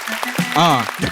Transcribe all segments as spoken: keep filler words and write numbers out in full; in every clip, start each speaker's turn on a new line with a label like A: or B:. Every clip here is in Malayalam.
A: ആ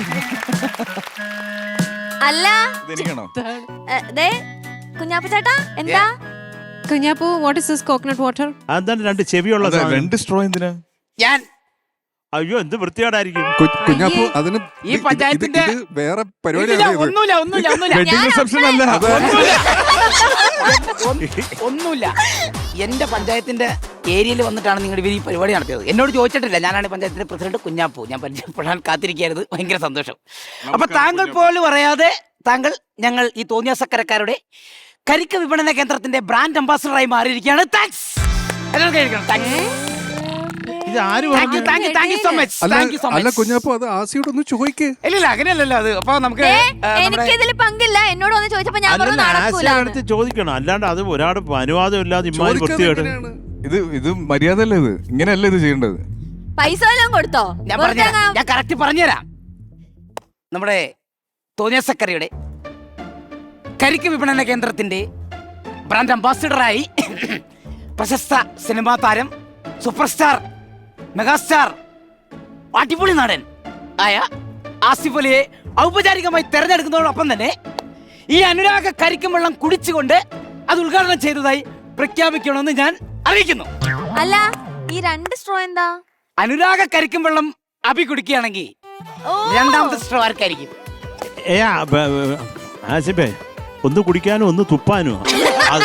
B: അല്ല
A: ഇതെനിക്കാണോ?
B: ദേ കുഞ്ഞാപ്പ ചേട്ടാ എന്താ
C: Kunjappu what is this coconut water?
D: അതാണ് രണ്ട് ചെവിയുള്ള
A: അതെ,
D: സാധനം.
A: രണ്ട് സ്ട്രോ എന്തിനാ?
E: ഞാൻ
D: അയ്യോ എന്ത് വൃത്തികേടായിരിക്കും.
F: കുഞ്ഞാപ്പു അതിന്
E: ഈ പഞ്ചായത്തിന്റെ
F: വേറെ
E: ഇല്ല,
F: പരിപാടിയാണ് ഇത്.
E: ഒന്നുമില്ല ഒന്നുമില്ല ഒന്നുമില്ല
D: വെഡിങ് റിസപ്ഷൻ അല്ല.
E: ഒന്നുമില്ല. ഒന്ന്- ഒന്നുമില്ല. എന്റെ പഞ്ചായത്തിന്റെ ഏരിയയിൽ വന്നിട്ടാണ് നിങ്ങൾ ഇവർ ഈ പരിപാടി നടത്തിയത്. എന്നോട് ചോദിച്ചിട്ടില്ല. ഞാനാണ് പഞ്ചായത്തിന്റെ പ്രസിഡന്റ് കുഞ്ഞാപ്പു. ഞാൻ പരിചയപ്പെടാൻ കാത്തിരിക്കുകയായിരുന്നു. ഭയങ്കര സന്തോഷം. അപ്പൊ താങ്കൾ പോലും പറയാതെ താങ്കൾ ഞങ്ങൾ ഈ തോന്നിയാസക്കരക്കാരുടെ കരിക്ക് വിപണന കേന്ദ്രത്തിന്റെ ബ്രാൻഡ് അംബാസഡറായി മാറിയിരിക്കുകയാണ്. താങ്ക്സ്. എല്ലാവർക്കും കഴിക്കണം. താങ്ക്സ്.
D: ഇത് ആര്
E: താങ്ക് യു
D: പറഞ്ഞു?
E: Thank you thank you so much.
F: അല്ല
E: താങ്ക് യു സോ
F: അല്ല
E: മച്ച്.
F: കുഞ്ഞാപ്പു അത് ആസിയോട് ഒന്ന് ചോദിക്കേ.
E: ഇല്ലില്ല അങ്ങനെയല്ലല്ലോ അത്. അപ്പൊ നമുക്ക്
B: ദേ,
E: ആ, നമ്മുടെ
B: എനിക്കിതിൽ പങ്കില്ല. എന്നോട് വന്ന് ചോദിച്ചപ്പോ ഞാൻ പറഞ്ഞു
D: അല്ലല്ല,
B: നടക്കൂല.
D: ആസിയുടെ അടുത്ത് ചോദിക്കണം. അല്ലാണ്ട് അത് ഒരാട് അനുവാദം ഇല്ലാതെ ഇമ്മാതിരി വൃത്തികേട്.
A: ഇത് ഇത് മര്യാദ അല്ല, ഇത് ഇങ്ങനെയല്ല ഇത് ചെയ്യേണ്ടത്.
B: പൈസ വല്ലതും കൊടുത്തോ?
E: ഞാൻ
B: വെറുതെ
E: പറഞ്ഞുതരാം.
B: അങ്ങ്
E: ഞാൻ കറക്റ്റ് പറഞ്ഞുതരാം. നമ്മുടെ തോന്നിയാസക്കരയുടെ കരിക്ക് വിപണന കേന്ദ്രത്തിന്റെ ബ്രാൻഡ് അംബാസിഡറായി പ്രശസ്ത സിനിമാ താരം സൂപ്പർ സ്റ്റാർ മെഗാസ്റ്റാർ അടിപൊളി നടൻ ആയ ആസിഫ് അലിയെ ഔപചാരികമായി തെരഞ്ഞെടുക്കുന്നതോടൊപ്പം തന്നെ ഈ അനുരാഗ കരിക്കും വെള്ളം കുടിച്ചുകൊണ്ട് അത് ഉദ്ഘാടനം ചെയ്തതായി പ്രഖ്യാപിക്കണമെന്ന് ഞാൻ അറിയിക്കുന്നു.
B: അല്ല ഈ രണ്ട് സ്ട്രോ എന്താ?
E: അനുരാഗ കരിക്കും വെള്ളം അഭി കുടിക്കുകയാണെങ്കിൽ
B: ഓ
E: രണ്ടാമത്തെ സ്ട്രോ ആർക്കായിരിക്കും?
D: ഏ ആ, ബ- ബ- ആസിഫേ ഒന്ന് കുടിക്കാനും ഒന്ന് തുപ്പാനും. അത്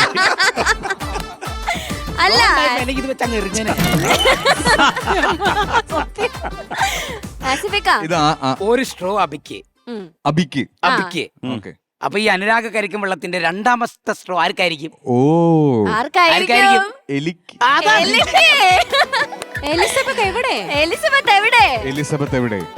B: അല്ല
E: അല്ലെങ്കിൽ ഇത് വെച്ച് അങ്ങ് എറിഞ്ഞേനെ.
B: ആസിഫിക്ക
A: ഇത് ആ- ആ-
E: ഒരു സ്ട്രോ അബിക്ക്
B: ഉം.
A: അബിക്ക്.
E: അബിക്ക്.
A: ഓക്കെ.
E: അപ്പൊ ഈ അനുരാഗ കരിക്കും വെള്ളത്തിന്റെ രണ്ടാമത്തെ സ്ട്രോ ആർക്കായിരിക്കും?
A: ഓ
B: ആർക്കായിരിക്കും?
A: എലിക്ക്.
E: അതാണ്.
B: എലിസബത്ത്
C: എലിസബത്ത് എവിടെ?
B: എലിസബത്ത് എവിടെ?
A: എലിസബത്ത് എവിടെ?